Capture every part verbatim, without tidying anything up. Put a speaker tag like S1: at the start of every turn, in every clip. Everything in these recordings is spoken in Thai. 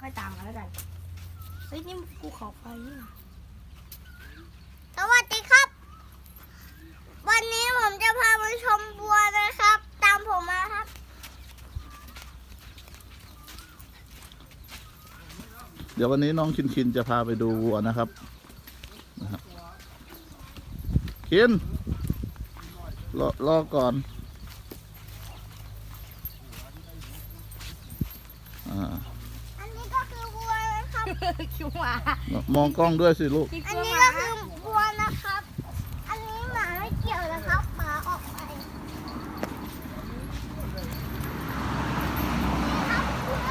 S1: อยตามมาแล้วกันเฮ้ยนี่ภูเขาไฟนี่
S2: สวัสดีครับวันนี้ผมจะพาไปชมบัวนะครับ ตามผมมาครับ
S3: เดี๋ยววันนี้น้องคินคินจะพาไปดูวัวนะครับนะครับคินรอรอก่อนอ่า
S2: อันนี้ก็คือบัวนะครับ
S1: คิวหมาม
S3: องกล้องด้วยสิลูก
S2: อันนี้ก็คือบัวนะครับอันนี้หมาไม่เกี่ยวนะครับหมาออกไปครับบัว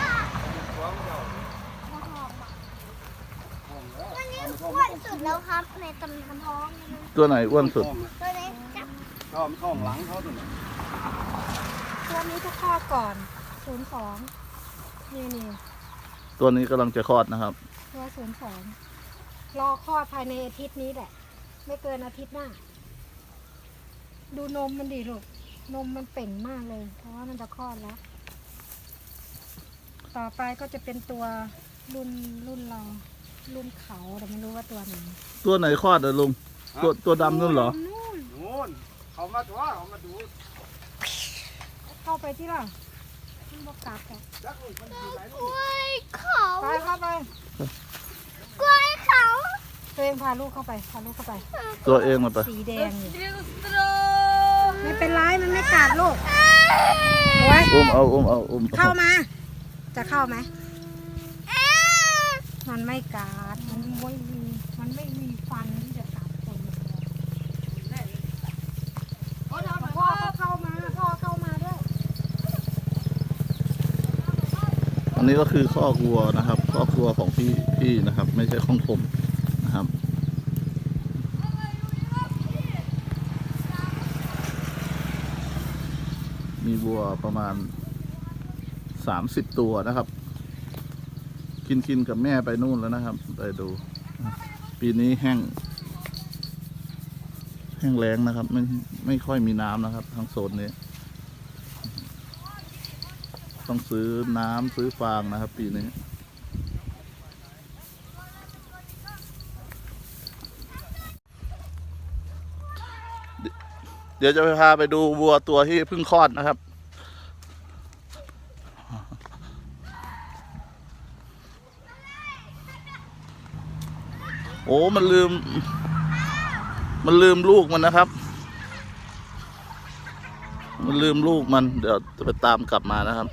S2: อันนี้อ้วนสุดแล้วครับในตำนานท้อง
S3: ตัวไหนอ้วนสุด
S2: ตัวนี้ครับ
S4: ท้องท้องหลังเขาตัวนี้
S5: ตัวนี้ทุกข้อก่อนศูนย์สองนี่นี่
S3: ตัวนี้กำลังจะคลอดนะครับ
S5: ตัวศูนย์สองรอคลอดภายในอาทิตย์นี้แหละ ไม่เกินอาทิตย์หน้า ดูนมมันดิลูกนมมันเป่งมากเลย เพราะว่ามันจะคลอดแล้ว ต่อไปก็จะเป็นตัวรุ่นรุ่นเรา รุ่นเขาแต่ไม่รู้ว่าตัวไหน
S3: ตัวไหนคลอดอะลุงตัวตัวดำนั่นเหรอ
S5: นู่น
S4: นู่นเขามาตัวเขามาดู
S5: เข้าไปที่ล่ะมันบอกกลับอ่ะ
S4: จักลูกมันอยู่ไหน
S2: ก
S4: ลูก
S2: ล้วยเขา
S5: ไปเข้าไป
S2: กล้วยเขา
S5: ตัวเองพาลูกเข้าไปพาลูกเข้าไป
S3: ตัวเองมาไป
S5: สีแดงอยู่ไม่เป็นไรมันไม่กัดลูกโอ้ย
S3: อุ้มเอาอุ้มเอาอุ้มเอา
S5: เข้ามา จะเข้าไหม มันไม่กัด มันไม่มี มันไม่มีฟันที่จะกัดคนพ่อก็เข้ามา พ่อเข้ามาด้วย
S3: อันนี้ก็คือคอกวัวนะครับคอกวัวของพี่พี่นะครับ ไม่ใช่ของผมนะครับ มีวัวประมาณสามสิบตัวนะครับ กินกินกับแม่ไปนู่นแล้วนะครับ ไปดู ปีนี้แห้ง แห้งแล้งนะครับ ไม่ไม่ค่อยมีน้ำนะครับทางโซนนี้ ต้องซื้อน้ำซื้อฟางนะครับ ปีนี้ เดี๋ยวจะไปพาไปดูวัวตัวที่เพิ่งคลอดนะครับ โอ้ มันลืม มันลืมลูกมันนะครับ มันลืมลูกมัน เดี๋ยวจะไปตามกลับมานะครับ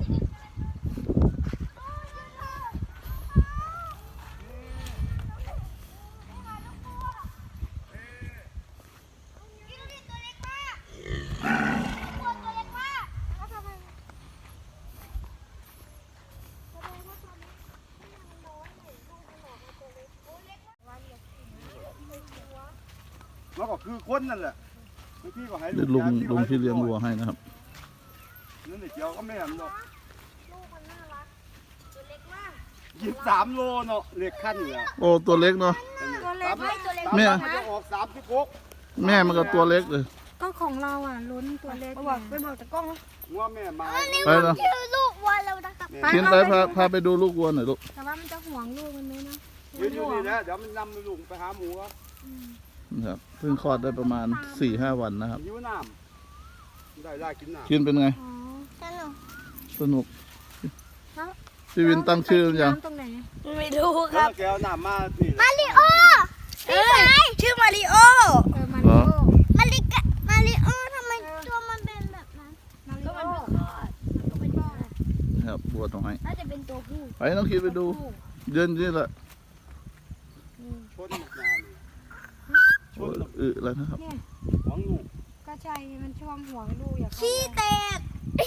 S4: มันก็คือคนนั่นแหละบางทีก็ให้
S3: เดี๋ยวลุงลุงที่เลี้ยงวัวให้นะครับ
S4: นั่นเกี่ยวก็ไม่เห็นหรอก
S2: ลูกมันน่ารักตัวเล็กมาก
S4: ยี่สิบสามโลเนาะเล็กขั้นเนี่ย
S3: โอ้ ตัวเล็กเนาะ
S5: ตัวเล็กไหมตัวเล็ก
S3: แม่
S4: มันจะออกสามสิบหก
S3: แม่มันก็ตัวเล็กเลย
S5: ก็ของเราอ่ะลุ้นตัวเล็ก
S1: ไปบอกไปบอกตะกล้อง
S4: งัวแม่มา
S2: อันนี้
S3: ไป
S2: ผม
S3: นะ
S2: ชื่อลูกวัวแล้วนะครับ
S3: เขียนไปพาพาไปดูลูกวัวหน่อยลูก
S5: แต่ว่ามันจะห่วงลูกมันไหมนะ
S4: ยืนอยู่นี่นะเดี๋ยวมันนำลุงไปหาหมูครับ
S3: นะครับเพิ่งคลอดได้ประมาณสี่ห้าวันนะครับ
S4: หิวน้ำได้ได้กินน้ำ
S3: คินเป็นไง
S5: อ๋อ
S2: สนุก
S3: สนุก
S5: แล้ว
S3: พี่วินตั้งชื่อหรือยัง
S5: น้ำตรงไหน
S1: ไม่รู้ค
S4: แล้
S1: รั
S4: ว
S1: บ
S4: แกเอาน้ำมานี่
S2: มาริโอ
S1: เอ้ยชื่อมาริโอ
S5: เออมาริโอ
S2: มาริกะมาริโอทำไมตัวมันเป็นแบบนั้น
S5: มาริ
S1: ก็
S5: โอ
S1: มันเป็นคลอดมันก็เป็นคลอด
S3: นะครับวัวตรงไหน
S1: น่าจะเป็นตัวผู้
S3: ไปน้องคินไปดูเดินนี่แหละ
S4: ชนหมดงานเลยช
S3: โอ้
S4: น
S3: ยอึแล้วนะครับ
S5: เนี่ย
S4: หวังลูก
S5: ก็ใช่มันช่วงห่วงลูกอย่าเข้า
S2: ขี้
S5: ไป
S2: แตก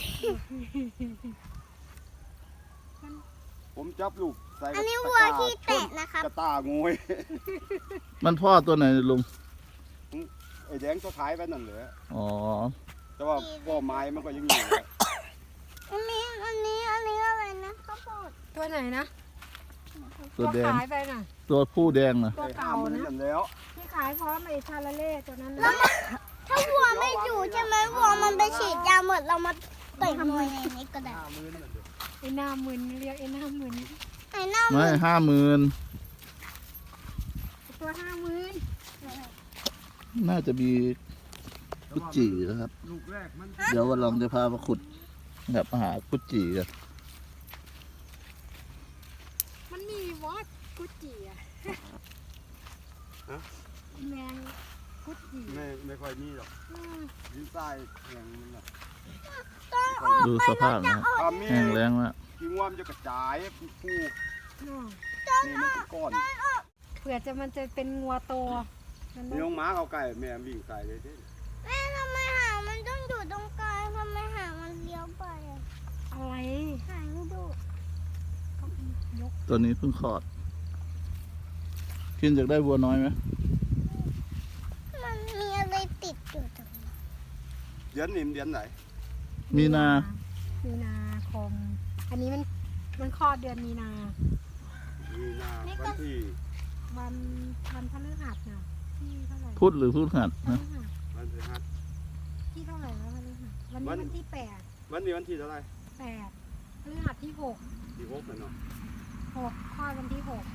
S4: ผมจับลูกใส่
S2: อันนี้วัวขี้แตกนะครับ
S4: กระตางวย
S3: มันพ่อตัวไหนลุง
S4: ไอ้แดงตัวท้ายไปนั่นเลย
S3: อ๋อ
S4: แต่ว่าพ่อไม้มันก็ยังอยู่
S2: อันนี้อันนี้อันนี้อะไรนะข้าวโพด
S5: ตัวไหนนะ
S3: ตัวแดง
S5: ขายไปน่ะ
S3: ตัวผู้แดงนะ
S5: ตัว
S4: ไอ้
S5: เก่า
S4: ห้ามมัน
S5: นะ
S4: นั่นแล้ว
S5: ที่ขายพร้อมไอ้ชาลาเล่ตัวนั้น
S2: แล้ว
S5: นะ
S2: มันถ้าวัวไม่อยู่ใช่ไหมวัวมันไปฉีดยาหมดเรามาต่อยมวยในนี้ก็ได้
S4: ห้าหมื่นนั่นเด้อ
S5: ไอ้หน้ามึนเรียกไอ้หน้ามึน
S3: ไม่ห้าหมื่น
S5: ตัวห้าหมื่น
S3: น่าจะมีกุจจีนะครับ
S4: ลูกแรกมัน
S3: เดี๋ยววันหลังจะพามาขุดแบบหากุจจีกัน
S5: มันมีวอดกุจิอะแมงกุจิ
S4: ไม่ไม่ค่อยมีหรอก
S5: อืม
S4: ดินทรายแข็งมันน่ะ
S3: ดูสภาพนะครับ
S4: ถ้ามี
S3: แห้งแล้งมาก
S4: ขี้งวมนจะกระจายฟูฟู
S5: อืม
S4: นี่มันเป็นก้อน
S5: เผื่อจะมันจะเป็นงัวโตมัน
S4: มีน้องหม้าเขาไก่แม่วิ่งใส่เลยเด้
S2: แม่ทำไมหางมันต้องอยู่ตรงกลางทำไมหางมันเลี้ยวไปอะ
S5: อะไร
S2: หางดู
S5: ก็ยก
S3: ตัวนี้เพิ่งคลอดกินจากได้วัวน้อยไหม
S2: มันมีอะไรติดอยู่ตรงนี้
S4: เดือนนี้มันเดือนไหน
S3: มีนา
S5: มีนาคม อันนี้มันมันคลอดเดือนมีนา
S4: มีนาวันที่
S5: วันวันพฤหัสน่ะที่เท่าไหร่
S3: พุธหรือพุธหัด
S5: พฤ
S3: นะ
S5: หัส
S4: วันที่ห้า
S5: ที่เท่าไหร่แล้วพฤหัสวันนี้
S4: วัน
S5: วันที่แปด
S4: วันนี้วันที่เท่าไหร
S5: แปดพฤหัสที่หก
S4: ที่หกน่ะเนาะ
S5: หกคลอดวันที่หก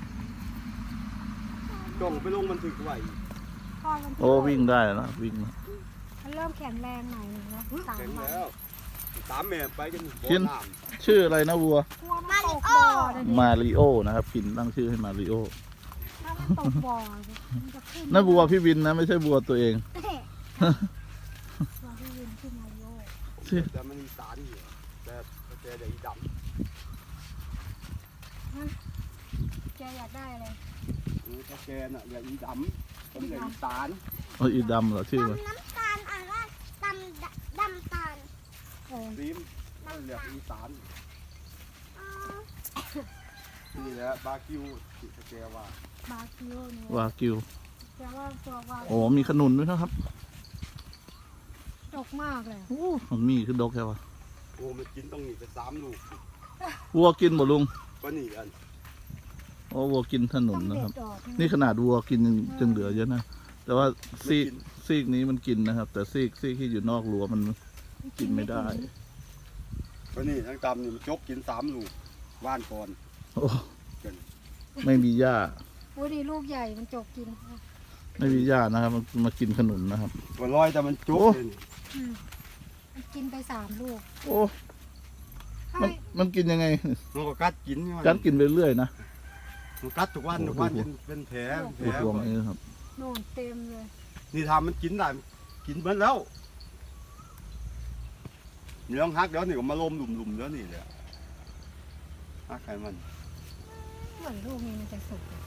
S4: จ้องไปลงบันทึกไว้
S5: คลอดวันที่
S3: โอ้
S5: หก
S3: วิ่งได้แล้ววิ่งแล้ว
S5: มันเริ่มแข็งแรงหน่อยหนึงแล้วสาม
S4: แข็ง
S5: วัน
S4: แล้วตามแม่ไปกันบ่
S3: กิน
S4: น้
S3: ชื่ออะไรนะวัว
S5: กลัวมันตกบ่อเลยดิ
S3: มาริโอนะครับกินตั้งชื่อให้มาริโอ
S5: ถ้ามันตกบ่อมันจะขึ้น
S3: นั่นวัวพี่วินนะไม่ใช่วัวตัวเอง
S5: วัวที่ยืนขึ้นมาโยก
S4: ำแต่มันมีสารอยู่แต่แต่เดี๋ยวอีด
S5: แกอยากได้อะไร
S4: ำอือถ้าแกน่ะเดี๋ยวอีดำผมเดี๋ยวอีสาร
S3: เอาอีดำเหรอชื่อมัน
S2: ดำน้ำตาลอ่านว่าดำดำตาล
S5: เออ
S4: ซีมเรียกอีสาน
S2: อ๋อ
S4: นี่แหละบาคิวที่แกว่า
S5: บาคิโอเนี่ยว
S3: ากิว
S5: แกว่าตัววา
S3: โอ้มีขนุนด้วยนะครับ
S5: ดกมากเลย
S3: โอ้มันมีคือดกแค่วะ
S4: โอ้มันกินต้องหนีไปสามลูก
S3: วัวกินบ่ลุง
S4: ก็หนีกัน
S3: โอ้วัวกินขนุ
S5: ต้อน ง
S3: นะ
S5: เด็
S3: ครับ
S5: ดดอก
S3: นี่ขนาดวัวกินยังจึงเหลือเยอะนะ แต่ว่าซีก
S4: ไม่กิน
S3: ซีกนี้มันกินนะครับ แต่ซีกซีกที่อยู่นอกรั้วมันกินไม่ได้
S4: ก็นี่ทั้งตำนี่มันจกกินสามลูกว่านก่อน
S3: โอ้ไม่มีหญ้า
S5: อุ้ยนี่ลูกใหญ่มันจกกิน
S3: ไม่มีหญ้านะครับ มันมากินขนุนนะครับ
S4: ก็ลอยแต่มันจก
S3: โอ้
S4: เลยนี่
S5: อืมมันกินไปสามลูก
S3: โอ้
S5: ถ้า
S3: มันมันกินยังไง
S4: มันก็กัดกินนี่
S3: กัดกินไปเรื่อยนะ
S4: มันกัดทุกวัน
S3: โอ้
S4: ทุกวัน
S3: ดู
S4: เป็นเป็นแผลเป็นแผ
S3: ดู
S4: ล
S3: พวงนี้ครับ
S5: โน่นเต็มเลย
S4: นี่ทำมันกินได้กินเบิ้แล้วเนื้อฮักเดี๋ยวนี่ก็มาลมหลุมๆเดี๋ยวนี่เลยฮักใครมัน
S5: เหมือนลูกนี้มันจะสุกเลย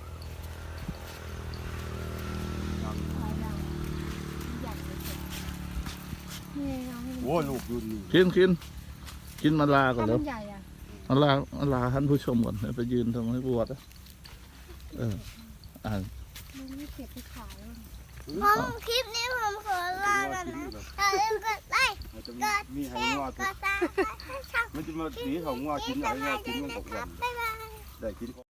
S4: ยัง
S5: อะไรอย่างใหญ่เลยสุกนี่เอาให้มัน
S4: โอ้ยลูกรุ่นนี้
S3: กินกินกินมาลาก่อน
S5: ถ้า
S3: แล้
S5: มั
S3: วน
S5: ใหญ่อะ
S3: มาลามาลาท่านผู้ชมก่อนเดี๋ยวไปยืนทำให้ปวดนะเอออ่าน
S5: ลูกนี้เก็บไปขายแล้ว
S2: ผมคลิปนี้ผมขอลากันนะอย่าลืมกดไลค์
S4: มันจะ
S2: กด
S4: มี
S2: แช
S4: ให้
S2: ร์
S4: งอก
S2: ดซับสไครต์ให้ช่อง
S4: มันจะมาสีของงอกินอะไร
S2: กัน
S4: งอกินมัน
S2: นะ
S4: ตก
S2: ค
S4: วั
S2: รับ
S4: น
S2: บ๊ายบาย
S4: ได้กิน